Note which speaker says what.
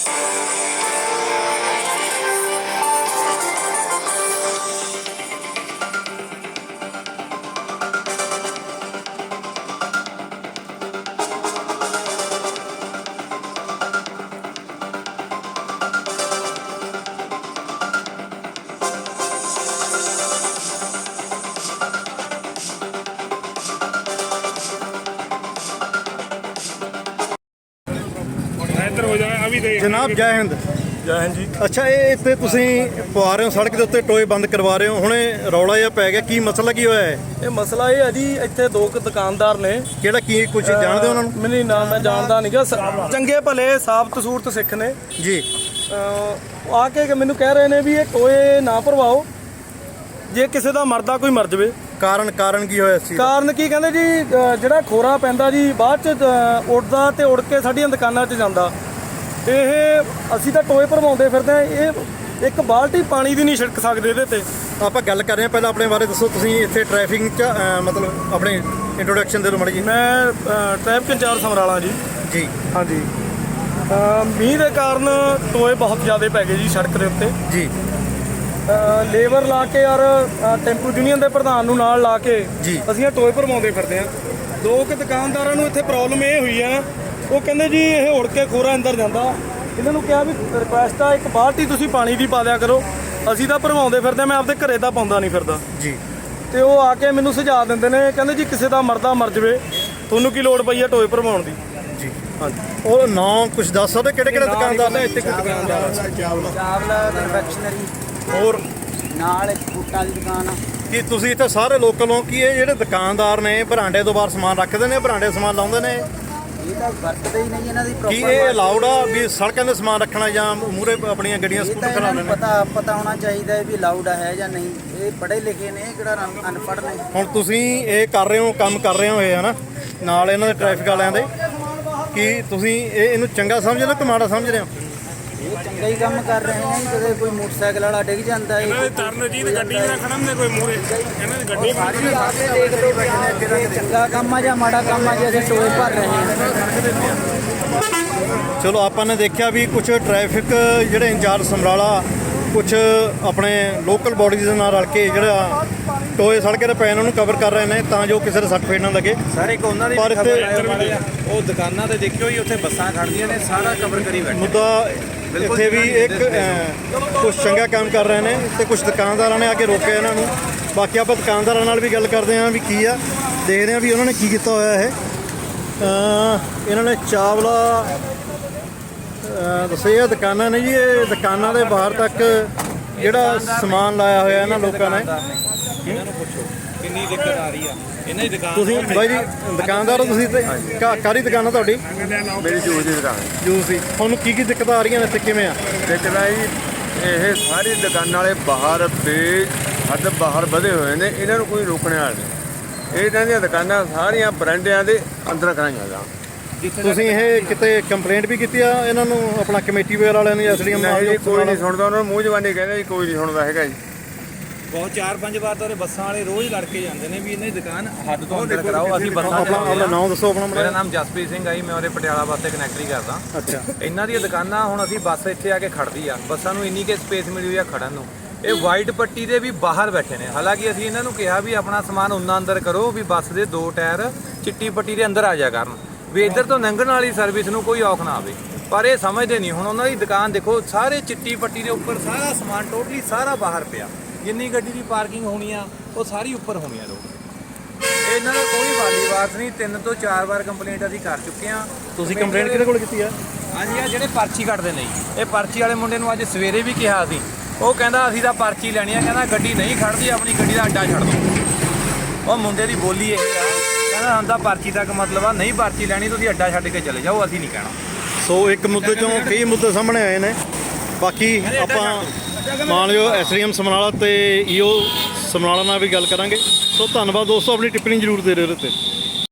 Speaker 1: जनाब जय हिंद।
Speaker 2: जय हिंद जी।
Speaker 1: अच्छा ये इतने तुसीं पवा रहे हो सड़क के उत्ते टोए बंद करवा रहे हो, हुणे रौला जिहा पै गया, की मसला की होया है?
Speaker 2: ਇਹ ਮਸਲਾ ਇਹ ਹੈ ਜੀ, ਇੱਥੇ ਦੋ ਕੁ ਦੁਕਾਨਦਾਰ ਨੇ।
Speaker 1: ਕਿਹੜਾ ਕੀ ਕੁਝ ਜਾਣਦੇ ਹੋ ਉਹਨਾਂ ਨੂੰ?
Speaker 2: ਮੈਨੂੰ ਨਾ, ਮੈਂ ਜਾਣਦਾ ਨਹੀਂਗਾ। ਚੰਗੇ ਭਲੇ ਸਾਬਤ ਸੂਰਤ ਸਿੱਖ ਨੇ
Speaker 1: ਜੀ।
Speaker 2: ਉਹ ਆ ਕੇ ਮੈਨੂੰ ਕਹਿ ਰਹੇ ਨੇ ਵੀ ਇਹ ਟੋਏ ਨਾ ਭਰਵਾਓ, ਜੇ ਕਿਸੇ ਦਾ ਮਰਦਾ ਕੋਈ ਮਰ ਜਾਵੇ।
Speaker 1: ਕਾਰਨ ਕੀ ਹੋਇਆ ਸੀ?
Speaker 2: ਕਾਰਨ ਕੀ ਕਹਿੰਦੇ ਜੀ, ਜਿਹੜਾ ਖੋਰਾ ਪੈਂਦਾ ਜੀ ਬਾਅਦ ਚ ਉੱਡਦਾ ਤੇ ਉੜ ਕੇ ਸਾਡੀਆਂ ਦੁਕਾਨਾਂ 'ਚ ਜਾਂਦਾ। ਇਹ ਅਸੀਂ ਤਾਂ ਟੋਏ ਭਰਵਾਉਂਦੇ ਫਿਰਦੇ ਆ, ਇਹ ਇੱਕ ਬਾਲਟੀ ਪਾਣੀ ਦੀ ਨਹੀਂ ਛਿੜਕ ਸਕਦੇ ਇਹਦੇ ਤੇ।
Speaker 1: ਆਪਾਂ ਗੱਲ ਕਰ ਰਹੇ ਹਾਂ, ਪਹਿਲਾਂ ਆਪਣੇ ਬਾਰੇ ਦੱਸੋ। ਤੁਸੀਂ ਇੱਥੇ ਟ੍ਰੈਫਿਕ 'ਚ ਮਤਲਬ ਆਪਣੇ ਇੰਟਰੋਡਕਸ਼ਨ ਦੇ ਦਿਓ ਮਾੜੀ ਜੀ।
Speaker 2: ਮੈਂ ਟ੍ਰੈਫਿਕ ਇੰਚਾਰਜ ਸਮਰਾਲਾ ਜੀ।
Speaker 1: ਜੀ
Speaker 2: ਹਾਂਜੀ। ਮੀਂਹ ਦੇ ਕਾਰਨ ਟੋਏ ਬਹੁਤ ਜ਼ਿਆਦਾ ਪੈ ਗਏ ਜੀ ਸੜਕ ਦੇ ਉੱਤੇ
Speaker 1: ਜੀ।
Speaker 2: ਲੇਬਰ ਲਾ ਕੇ ਔਰ ਟੈਂਪੂ ਯੂਨੀਅਨ ਦੇ ਪ੍ਰਧਾਨ ਨੂੰ ਨਾਲ ਲਾ ਕੇ
Speaker 1: ਜੀ
Speaker 2: ਅਸੀਂ ਇਹ ਟੋਏ ਭਰਵਾਉਂਦੇ ਫਿਰਦੇ ਹਾਂ। ਦੋ ਕੁ ਦੁਕਾਨਦਾਰਾਂ ਨੂੰ ਇੱਥੇ ਪ੍ਰੋਬਲਮ ਇਹ ਹੋਈ ਆ, ਉਹ ਕਹਿੰਦੇ ਜੀ ਇਹ ਉੜ ਕੇ ਖੋਰਾ ਅੰਦਰ ਜਾਂਦਾ। ਇਹਨਾਂ ਨੂੰ ਕਿਹਾ ਵੀ ਰਿਕੁਐਸਟ ਆ, ਇੱਕ ਬਾਲਟੀ ਤੁਸੀਂ ਪਾਣੀ ਦੀ ਪਾ ਦਿਆ ਕਰੋ। ਅਸੀਂ ਤਾਂ ਭਰਵਾਉਂਦੇ ਫਿਰਦੇ, ਮੈਂ ਆਪਦੇ ਘਰੇ ਤਾਂ ਪਾਉਂਦਾ ਨਹੀਂ ਫਿਰਦਾ
Speaker 1: ਜੀ।
Speaker 2: ਤੇ ਉਹ ਆ ਕੇ ਮੈਨੂੰ ਸੁਝਾਅ ਦਿੰਦੇ ਨੇ, ਕਹਿੰਦੇ ਜੀ ਕਿਸੇ ਦਾ ਮਰਦਾ ਮਰ ਜਾਵੇ, ਤੁਹਾਨੂੰ ਕੀ ਲੋੜ ਪਈ ਆ ਟੋਏ ਭਰਵਾਉਣ ਦੀ?
Speaker 1: ਜੀ ਹਾਂਜੀ। ਉਹ ਨਾਂ ਕੁਝ ਦੱਸ ਸਕਦੇ ਕਿਹੜੇ ਦੁਕਾਨਦਾਰ ਨੇ?
Speaker 2: ਇੱਥੇ ਕੋਈ ਦੁਕਾਨਦਾਰ
Speaker 3: ਚਾਵਲਾ ਕਨਫੈਕਸ਼ਨਰੀ,
Speaker 1: ਹੋਰ
Speaker 3: ਨਾਲ ਇੱਕ ਬੂਟਾਂ ਦੀ ਦੁਕਾਨ ਆ।
Speaker 1: ਕੀ ਤੁਸੀਂ ਇੱਥੇ ਸਾਰੇ ਲੋਕਲ ਹੋ? ਕੀ ਇਹ ਜਿਹੜੇ ਦੁਕਾਨਦਾਰ ਨੇ ਬਰਾਂਡੇ ਤੋਂ ਬਾਹਰ ਸਮਾਨ ਰੱਖਦੇ ਨੇ, ਬਰਾਂਡੇ ਸਮਾਨ ਲਾਉਂਦੇ ਨੇ?
Speaker 3: ਇਹ ਤਾਂ ਵਰਤਦੇ ਹੀ ਨਹੀਂ ਇਹਨਾਂ ਦੀ
Speaker 1: ਕੀ ਇਹ ਅਲਾਉਡ ਆ ਵੀ ਸੜਕਾਂ 'ਤੇ ਸਮਾਨ ਰੱਖਣਾ ਜਾਂ ਮੂਹਰੇ ਆਪਣੀਆਂ ਗੱਡੀਆਂ ਸਕੂਟਰ ਖੜਾ ਲੈਣੇ?
Speaker 3: ਪਤਾ ਹੋਣਾ ਚਾਹੀਦਾ ਹੈ ਵੀ ਅਲਾਉਡ ਹੈ ਜਾਂ ਨਹੀਂ। ਇਹ ਪੜ੍ਹੇ ਲਿਖੇ ਨੇ, ਕਿਹੜਾ ਅਨਪੜ੍ਹ ਨੇ।
Speaker 1: ਹੁਣ ਤੁਸੀਂ ਇਹ ਕਰ ਰਹੇ ਹੋ, ਕੰਮ ਕਰ ਰਹੇ ਹੋ ਇਹ ਹਨਾ ਨਾਲ ਇਹਨਾਂ ਦੇ ਟ੍ਰੈਫਿਕ ਵਾਲਿਆਂ ਦੇ, ਕੀ ਤੁਸੀਂ ਇਹਨੂੰ ਚੰਗਾ ਸਮਝ ਰਹੇ ਹੋ ਕਿ ਮਾੜਾ ਸਮਝ ਰਹੇ ਹੋ?
Speaker 3: ਇਹ ਚੰਗਾ ਹੀ ਕੰਮ ਕਰ ਰਹੇ ਨੇ। ਜਦੋਂ ਕੋਈ ਮੋਟਰਸਾਈਕਲ ਵਾਲਾ ਡਿੱਗ ਜਾਂਦਾ ਹੈ,
Speaker 2: ਤਰਨਜੀਤ ਗੱਡੀ ਨਾਲ ਖੜਨ ਦੇ ਕੋਈ ਮੂਹਰੇ, ਇਹਨਾਂ ਦੀ ਗੱਡੀ
Speaker 3: ਸਾਡੀ ਆ ਕੇ ਦੇਖ ਲਓ ਬੈਠੇ, ਇਹ ਚੰਗਾ ਕੰਮ ਆ ਜਾਂ ਮਾੜਾ ਕੰਮ ਆ, ਜੇ ਅਸੀਂ ਟੋਏ ਭਰ ਰਹੇ ਹਾਂ।
Speaker 1: ਚਲੋ ਆਪਾਂ ਨੇ ਦੇਖਿਆ ਵੀ ਕੁਝ ਟ੍ਰੈਫਿਕ ਜਿਹੜੇ ਇੰਚਾਰਜ ਸਮਰਾਲਾ ਕੁਝ ਆਪਣੇ ਲੋਕਲ ਬੋਡੀਜ਼ ਦੇ ਨਾਲ ਰਲ ਕੇ ਜਿਹੜਾ ਟੋਏ ਸੜਕੇ 'ਤੇ ਪਏ ਉਹਨਾਂ ਨੂੰ ਕਵਰ ਕਰ ਰਹੇ ਨੇ ਤਾਂ ਜੋ ਕਿਸੇ ਦੇ ਸੱਟ ਫੇਟ ਨਾ ਲੱਗੇ।
Speaker 4: ਸਰ ਇੱਕ ਉਹਨਾਂ ਦੀ
Speaker 1: ਪਰ ਇੱਥੇ
Speaker 4: ਉਹ ਦੁਕਾਨਾਂ ਤੇ ਦੇਖਿਓ ਜੀ, ਉੱਥੇ ਬੱਸਾਂ ਖੜਦੀਆਂ ਨੇ, ਸਾਰਾ ਕਵਰ ਕਰੀ ਬੈਠੇ।
Speaker 1: ਮੁੱਦਾ ਇੱਥੇ ਵੀ ਇੱਕ ਕੁਝ ਚੰਗਾ ਕੰਮ ਕਰ ਰਹੇ ਨੇ ਤੇ ਕੁਝ ਦੁਕਾਨਦਾਰਾਂ ਨੇ ਆ ਕੇ ਰੋਕਿਆ ਇਹਨਾਂ ਨੂੰ। ਬਾਕੀ ਆਪਾਂ ਦੁਕਾਨਦਾਰਾਂ ਨਾਲ ਵੀ ਗੱਲ ਕਰਦੇ ਹਾਂ ਵੀ ਕੀ ਆ, ਦੇਖਦੇ ਹਾਂ ਵੀ ਉਹਨਾਂ ਨੇ ਕੀ ਕੀਤਾ ਹੋਇਆ ਹੈ। ਇਹਨਾਂ ਨੇ ਚਾਵਲਾ ਦੱਸਿਆ ਦੁਕਾਨਾਂ ਨੇ ਜੀ, ਇਹ ਦੁਕਾਨਾਂ ਦੇ ਬਾਹਰ ਤੱਕ ਜਿਹੜਾ ਸਮਾਨ ਲਾਇਆ ਹੋਇਆ ਇਹਨਾਂ ਲੋਕਾਂ ਨੇ।
Speaker 4: ਇਹਨਾਂ ਨੂੰ ਪੁੱਛੋ ਕਿੰਨੀ ਦਿੱਕਤ ਆ ਰਹੀ ਆ ਇਹਨਾਂ ਦੀ ਦੁਕਾਨ।
Speaker 1: ਤੁਸੀਂ ਬਾਈ ਜੀ ਦੁਕਾਨਦਾਰ ਹੋ ਤੁਸੀਂ? ਤੇ ਕਾਹਦੀ ਦੁਕਾਨ ਆ ਤੁਹਾਡੀ?
Speaker 5: ਮੇਰੀ ਜੂਸ ਦੀ ਦੁਕਾਨ।
Speaker 1: ਜੂਸ ਦੀ। ਤੁਹਾਨੂੰ ਕੀ ਦਿੱਕਤਾਂ ਆ ਰਹੀਆਂ ਨੇ ਇੱਥੇ, ਕਿਵੇਂ ਆ?
Speaker 5: ਦੇਖਦਾ ਜੀ, ਇਹ ਸਾਰੀ ਦੁਕਾਨਾਂ ਵਾਲੇ ਬਾਹਰ ਹੱਦ ਬਾਹਰ ਵਧੇ ਹੋਏ ਨੇ, ਇਹਨਾਂ ਨੂੰ ਕੋਈ ਰੋਕਣ ਵਾਲਾ ਨਹੀਂ। ਇਹਨਾਂ ਦੀਆਂ ਦੁਕਾਨਾਂ ਸਾਰੀਆਂ ਬਰਾਂਡਿਆਂ ਦੇ ਅੰਦਰ ਕਰਾਈਆਂ ਜਾ।
Speaker 1: ਤੁਸੀਂ ਇਹ ਕਿਤੇ ਕੰਪਲੇਂਟ ਵੀ ਕੀਤੀ ਆ ਇਹਨਾਂ ਨੂੰ, ਆਪਣਾ ਕਮੇਟੀ ਵਗੈਰਾ ਵਾਲਿਆਂ ਨੂੰ? ਐਸਡੀਐਮ
Speaker 5: ਕੋਈ ਨਹੀਂ ਸੁਣਦਾ, ਉਹਨਾਂ ਨੂੰ ਮੂੰਹ ਜ਼ਬਾਨੀ ਕਹਿੰਦੇ ਜੀ ਕੋਈ ਨਹੀਂ ਸੁਣਦਾ ਹੈਗਾ ਜੀ।
Speaker 4: ਬਹੁਤ 4-5 ਵਾਰ ਤਾਂ ਬੱਸਾਂ ਵਾਲੇ ਰੋਜ਼ ਲੜ ਕੇ ਜਾਂਦੇ ਨੇ ਵੀ ਇਹਨਾਂ ਦੀ ਦੁਕਾਨ ਹੱਦ ਤੋਂ ਅੰਦਰ ਕਰਾਓ। ਅਸੀਂ ਬੱਸਾਂ
Speaker 1: ਆਪਣਾ ਨਾਮ ਦੱਸੋ ਆਪਣਾ।
Speaker 4: ਮੇਰਾ ਨਾਮ ਜਸਪ੍ਰੀਤ ਸਿੰਘ ਆ ਜੀ, ਮੈਂ ਉਹਦੇ ਪਟਿਆਲਾ ਵਾਸਤੇ ਕਨੈਕਟਰੀ ਕਰਦਾ।
Speaker 1: ਅੱਛਾ।
Speaker 4: ਇਹਨਾਂ ਦੀਆਂ ਦੁਕਾਨਾਂ ਹੁਣ ਅਸੀਂ ਬੱਸ ਇੱਥੇ ਆ ਕੇ ਖੜਦੀ ਆ, ਬੱਸਾਂ ਨੂੰ ਇੰਨੀ ਕਿ ਸਪੇਸ ਮਿਲੀ ਹੋਈ ਆ ਖੜਨ ਨੂੰ। ਇਹ ਵਾਈਟ ਪੱਟੀ ਦੇ ਵੀ ਬਾਹਰ ਬੈਠੇ ਨੇ। ਹਾਲਾਂਕਿ ਅਸੀਂ ਇਹਨਾਂ ਨੂੰ ਕਿਹਾ ਵੀ ਆਪਣਾ ਸਮਾਨ ਉਨਾ ਅੰਦਰ ਕਰੋ ਵੀ ਬੱਸ ਦੇ 2 ਟਾਇਰ ਚਿੱਟੀ ਪੱਟੀ ਦੇ ਅੰਦਰ ਆ ਜਾ ਕਰਨ, ਵੀ ਇੱਧਰ ਤੋਂ ਲੰਘਣ ਵਾਲੀ ਸਰਵਿਸ ਨੂੰ ਕੋਈ ਔਖ ਨਾ ਆਵੇ। ਪਰ ਇਹ ਸਮਝਦੇ ਨਹੀਂ। ਹੁਣ ਉਹਨਾਂ ਦੀ ਦੁਕਾਨ ਦੇਖੋ, ਸਾਰੇ ਚਿੱਟੀ ਪੱਟੀ ਦੇ ਉੱਪਰ ਸਾਰਾ ਸਮਾਨ ਟੋਟਲੀ ਸਾਰਾ ਬਾਹਰ ਪਿਆ। ਜਿੰਨੀ ਗੱਡੀ ਦੀ ਪਾਰਕਿੰਗ ਹੋਣੀ ਆ ਉਹ ਸਾਰੀ ਉੱਪਰ ਹੋਣੀ ਆ। ਲੋਕ ਇਹਨਾਂ ਦਾ ਕੋਈ ਵਾਲੀ ਬਾਤ ਨਹੀਂ। 3 ਤੋਂ 4 ਵਾਰ ਕੰਪਲੇਂਟ ਅਸੀਂ ਕਰ ਚੁੱਕੇ ਆ।
Speaker 1: ਤੁਸੀਂ ਕੰਪਲੇਂਟ ਕਿਹਦੇ ਕੋਲ ਕੀਤੀ ਆ?
Speaker 4: ਹਾਂਜੀ, ਆ ਜਿਹੜੇ ਪਰਚੀ ਕੱਟਦੇ ਨੇ ਜੀ, ਇਹ ਪਰਚੀ ਵਾਲੇ ਮੁੰਡੇ ਨੂੰ ਅੱਜ ਸਵੇਰੇ ਵੀ ਕਿਹਾ ਸੀ। ਉਹ ਕਹਿੰਦਾ ਅਸੀਂ ਤਾਂ ਪਰਚੀ ਲੈਣੀ ਆ, ਕਹਿੰਦਾ ਗੱਡੀ ਨਹੀਂ ਖੜਦੀ, ਆਪਣੀ ਗੱਡੀ ਦਾ ਅੱਡਾ ਛੱਡ ਦਿਓ। ਉਹ ਮੁੰਡੇ ਦੀ ਬੋਲੀ ਇਹ ਆ, ਕਹਿੰਦਾ ਸਾਨੂੰ ਤਾਂ ਪਰਚੀ ਤੱਕ ਮਤਲਬ ਆ, ਨਹੀਂ ਪਰਚੀ ਲੈਣੀ ਤੁਸੀਂ ਅੱਡਾ ਛੱਡ ਕੇ ਚਲੇ ਜਾਓ, ਅਸੀਂ ਨਹੀਂ ਕਹਿਣਾ।
Speaker 1: ਸੋ ਇੱਕ ਮੁੱਦੇ ਚੋਂ ਕਈ ਮੁੱਦੇ ਸਾਹਮਣੇ ਆਏ ਨੇ। ਬਾਕੀ ਆਪਾਂ ਮੰਨ ਲਿਓ ਐਸਡੀਐਮ ਸਮਰਾਲਾ ਤੇ ਈਓ ਸਮਰਾਲਾ ਨਾਲ ਵੀ ਗੱਲ ਕਰਾਂਗੇ। ਸੋ ਧੰਨਵਾਦ ਦੋਸਤੋ, ਆਪਣੀ ਟਿੱਪਣੀ ਜ਼ਰੂਰ ਦੇ ਰਹੇ ਹੋ ਇਹਦੇ 'ਤੇ।